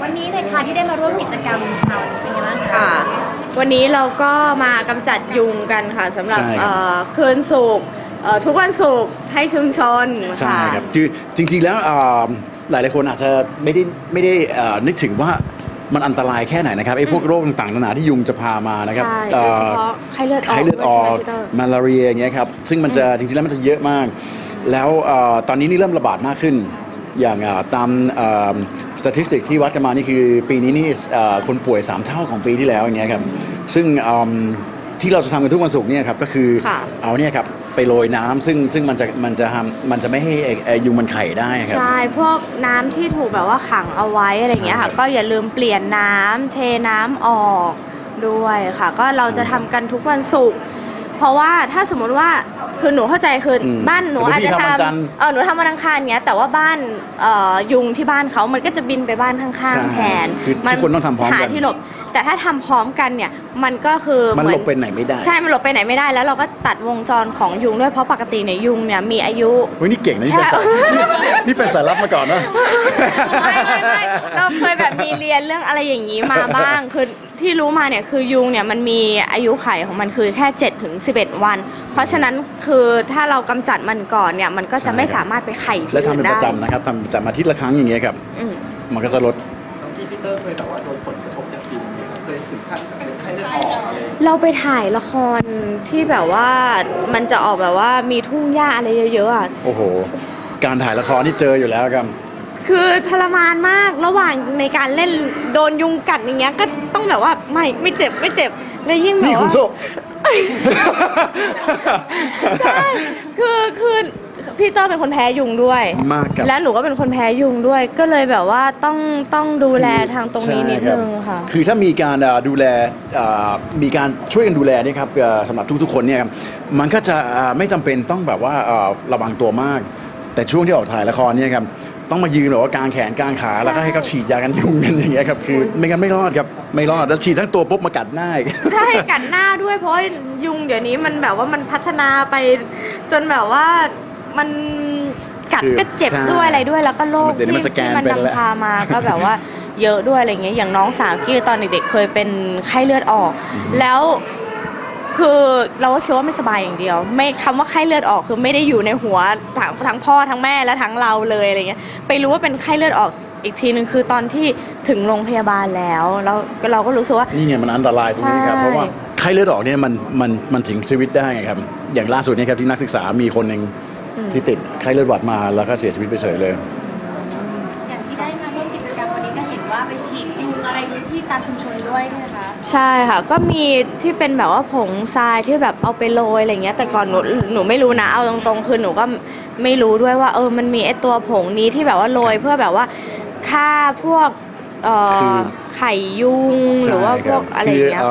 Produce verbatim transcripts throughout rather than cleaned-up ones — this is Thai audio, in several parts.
วันนี้เลยค่ะที่ได้มาร่วมกิจกรรมค่ะเป็นยังไงบ้างคะวันนี้เราก็มากำจัดยุงกันค่ะสำหรับคืนศุกร์ทุกวันศุกร์ให้ชุมชนใช่ครับคือจริงๆแล้วหลายหลายคนอาจจะไม่ได้ไม่ได้นึกถึงว่ามันอันตรายแค่ไหนนะครับไอ้พวกโรคต่างๆนานาที่ยุงจะพามานะครับโดยเฉพาะไข้เลือดออกไข้เลือดออกมาลาเรียอย่างเงี้ยครับซึ่งมันจะจริงๆแล้วมันจะเยอะมากแล้วตอนนี้นี่เริ่มระบาดมากขึ้นอย่างตามสถิติที่วัดกันมานี่คือปีนี้นี่คนป่วยสามเท่าของปีที่แล้วอย่างเงี้ยครับซึ่งที่เราจะทำกันทุกวันศุกร์เนี่ยครับก็คือเอาเนี่ยครับไปโรยน้ำซึ่งซึ่งมันจะมันจะทำมันจะไม่ให้ยุงมันไข่ได้ครับใช่พวกน้ำที่ถูกแบบว่าขังเอาไว้อะไรอย่างเงี้ยค่ะก็อย่าลืมเปลี่ยนน้ำเทน้ำออกด้วยค่ะก็เราจะทำกันทุกวันศุกร์เพราะว่าถ้าสมมติว่าคือหนูเข้าใจคือบ้านหนูอาจจะทำเออหนูทำวันอังคารเงี้ยแต่ว่าบ้านยุงที่บ้านเขามันก็จะบินไปบ้านข้างๆแทนทุกคนต้องทำพร้อมกันหาที่หลบแต่ถ้าทำพร้อมกันเนี่ยมันก็คือมันหลบไปไหนไม่ได้ใช่มันหลบไปไหนไม่ได้แล้วเราก็ตัดวงจรของยุงด้วยเพราะปกติเนี่ยยุงเนี่ยมีอายุเฮ้ยนี่เก่งนะนี่เป็นสายนี่เป็นสายลับมาก่อนนะไม่ไม่ไม่เราเคยแบบมีเรียนเรื่องอะไรอย่างนี้มาบ้างคือที่รู้มาเนี่ยคือยุงเนี่ยมันมีอายุไขของมันคือแค่เจ็ดถึงสิบเอ็ดวันเพราะฉะนั้นคือถ้าเรากำจัดมันก่อนเนี่ยมันก็จะไม่สามารถไปไข่ที่และทำเป็นประจำนะครับทำประจำอาทิตย์ละครั้งอย่างเงี้ยครับมันก็จะลดพี่พีเตอร์เคยแต่ว่าโดนผลกระทบจากยุงเนี่ยเคยถึงขั้นเป็นไข้เลือดออกอะไรเราไปถ่ายละครที่แบบว่ามันจะออกแบบว่ามีทุ่งหญ้าอะไรเยอะๆอ่ะโอ้โหการถ่ายละครนี่เจออยู่แล้วครับคือทรมานมากระหว่างในการเล่นโดนยุงกัดอย่างเงี้ยก็ต้องแบบว่าไม่ไม่เจ็บไม่เจ็บแล้วยิ่งแบบว่านี่คุณโซ่ใช่คือคือพี่เตอร์เป็นคนแพ้ยุงด้วยมากครับแล้วหนูก็เป็นคนแพ้ยุงด้วยก็เลยแบบว่าต้องต้องดูแลทางตรงนี้นิดนึงค่ะคือถ้ามีการดูแลมีการช่วยกันดูแลนี่ครับสำหรับทุกๆคนเนี่ยมันก็จะไม่จำเป็นต้องแบบว่าระวังตัวมากแต่ช่วงที่ออกถ่ายละครเนี่ยครับต้องมายืนแบบว่ากางแขนกางขาแล้วก็ให้เขาฉีดยากันยุงกันอย่างเงี้ยครับคือไม่งั้นไม่รอดครับไม่รอดแล้วฉีดทั้งตัวปุ๊บมากัดหน้าใช่กัดหน้าด้วยเพราะยุงเดี๋ยวนี้มันแบบว่ามันพัฒนาไปจนแบบว่ามันกัดก็เจ็บด้วยอะไรด้วยแล้วก็โรคที่มันนำพามาก็แบบว่าเยอะด้วยอะไรเงี้ยอย่างน้องสาวกี้ตอนเด็กๆเคยเป็นไข้เลือดออกแล้วคือเราก็คิดว่าไม่สบายอย่างเดียวไม่คำว่าไข้เลือดออกคือไม่ได้อยู่ในหัวทั้งทั้งพ่อทั้งแม่และทั้งเราเลยอะไรเงี้ยไปรู้ว่าเป็นไข้เลือดออกอีกทีนึงคือตอนที่ถึงโรงพยาบาลแล้วแล้วเราก็รู้สึกว่านี่ไงมันอันตรายตรงนี้ครับเพราะว่าไข้เลือดออกเนี่ยมันมันมันถึงชีวิตได้ครับอย่างล่าสุดนี่ครับที่นักศึกษามีคนหนึ่งที่ติดไข้เลือดหวัดมาแล้วก็เสียชีวิตไปเฉยเลยอย่างที่ได้มาร่วมกิจกรรมวันนี้ก็เห็นว่าไปฉีดยุงอะไรที่ตามชุมชนด้วยนะคะใช่ค่ะก็มีที่เป็นแบบว่าผงทรายที่แบบเอาไปโรยอะไรเงี้ยแต่ก่อนหนูหนูไม่รู้นะเอาตรงๆคือหนูก็ไม่รู้ด้วยว่าเออมันมีไอตัวผงนี้ที่แบบว่าโรยเพื่อแบบว่าฆ่าพวกไข่ยุงหรือว่าพวกอะไรอย่างเงี้ย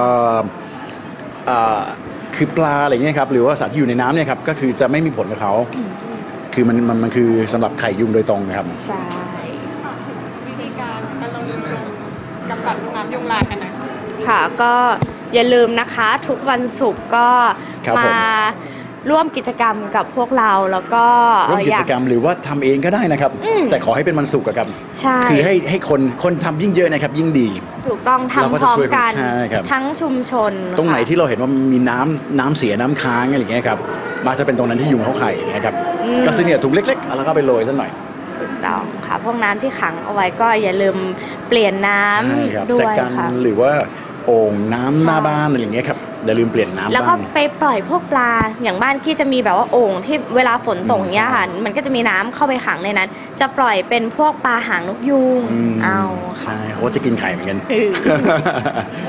คือปลาอะไรเงี้ยครับหรือว่าสัตว์ที่อยู่ในน้ำเนี่ยครับก็คือจะไม่มีผลกับเขาคือมันมันมันคือสำหรับไข่ยุงโดยตรงนะครับใช่วิธีการการเราลืมลงกำจัดน้ำยุงลายกันนะค่ะก็อย่าลืมนะคะทุกวันศุกร์ก็มาร่วมกิจกรรมกับพวกเราแล้วก็ร่วมกิจกรรมหรือว่าทำเองก็ได้นะครับแต่ขอให้เป็นวันศุกร์ครับใช่คือให้ให้คนคนทำยิ่งเยอะนะครับยิ่งดีถูกต้องทำพร้อมกันทั้งชุมชนตรงไหนที่เราเห็นว่ามีน้ำน้ำเสียน้ำค้างอะไรอย่างเงี้ยครับมักจะเป็นตรงนั้นที่ยุงเขาไข่นะครับก็ซื้อเนี่ยถุงเล็กๆแล้วก็ไปโรยสักหน่อยถูกต้องค่ะพวกน้ำที่ขังเอาไว้ก็อย่าลืมเปลี่ยนน้ำด้วยค่ะหรือว่าโอ่งน้ำหน้าบ้านอะไรอย่างเงี้ยครับอย่าลืมเปลี่ยนน้ำแล้วก็ไปปล่อยพวกปลาอย่างบ้านกี้จะมีแบบว่าโอ่งที่เวลาฝนตกอย่างเงี้ยค่ะมันก็จะมีน้ำเข้าไปขังในนั้นจะปล่อยเป็นพวกปลาหางนกยูงเอาใช่เขาจะกินไข่เหมือนกัน